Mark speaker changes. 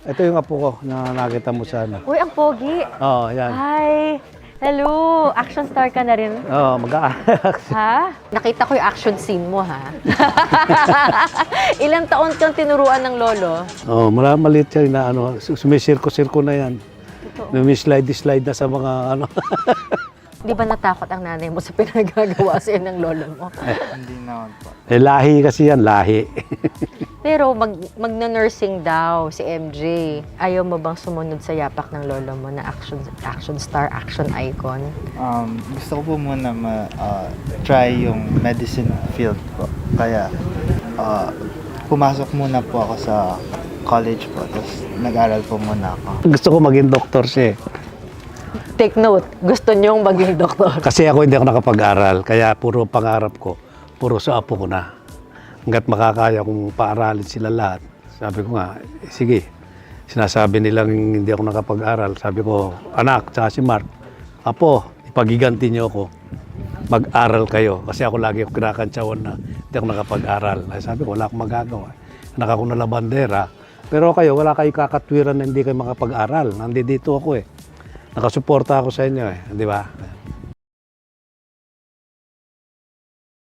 Speaker 1: Ito yung apo ko na nakita mo sa ano.
Speaker 2: Uy, ang pogi.
Speaker 1: Oo, yan.
Speaker 2: Hi. Hello. Action star ka na rin.
Speaker 1: Oo,
Speaker 2: Ha? Nakita ko yung action scene mo, ha? Ilang taon kang tinuruan ng lolo?
Speaker 1: Oo, maliit yan na ano, sumisirko-sirko na yan. Slide na sa mga ano.
Speaker 2: Di ba natakot ang nanay mo sa pinagagawa sa'yo ng lolo mo?
Speaker 3: Hindi naman po.
Speaker 1: Lahi kasi yan, lahi.
Speaker 2: Pero magna-nursing daw si MJ. Ayaw mo bang sumunod sa yapak ng lolo mo na action star, action icon?
Speaker 3: Gusto ko po muna try yung medicine field po. Kaya pumasok muna po ako sa college po. Tapos nag-aral po muna ako.
Speaker 1: Gusto ko maging doktor siya.
Speaker 2: Take note, gusto niyong maging doktor.
Speaker 1: Kasi ako hindi ako nakapag-aral, kaya puro pangarap ko, puro sa apo ko na. Hanggat makakaya kong paaralin sila lahat. Sabi ko nga, sige, sinasabi nilang hindi ako nakapag-aral. Sabi ko, anak, tsaka si Mark, apo, ipagiganti niyo ako. Mag-aral kayo. Kasi ako lagi ako kinakantsawan na hindi ako nakapag-aral. Sabi ko, wala akong magagawa. Anak ako na labandera. Pero kayo, wala kayo kakatwiran na hindi kayo makapag-aral. Nandito ako eh. Nakasuporta ako sa inyo eh, di ba?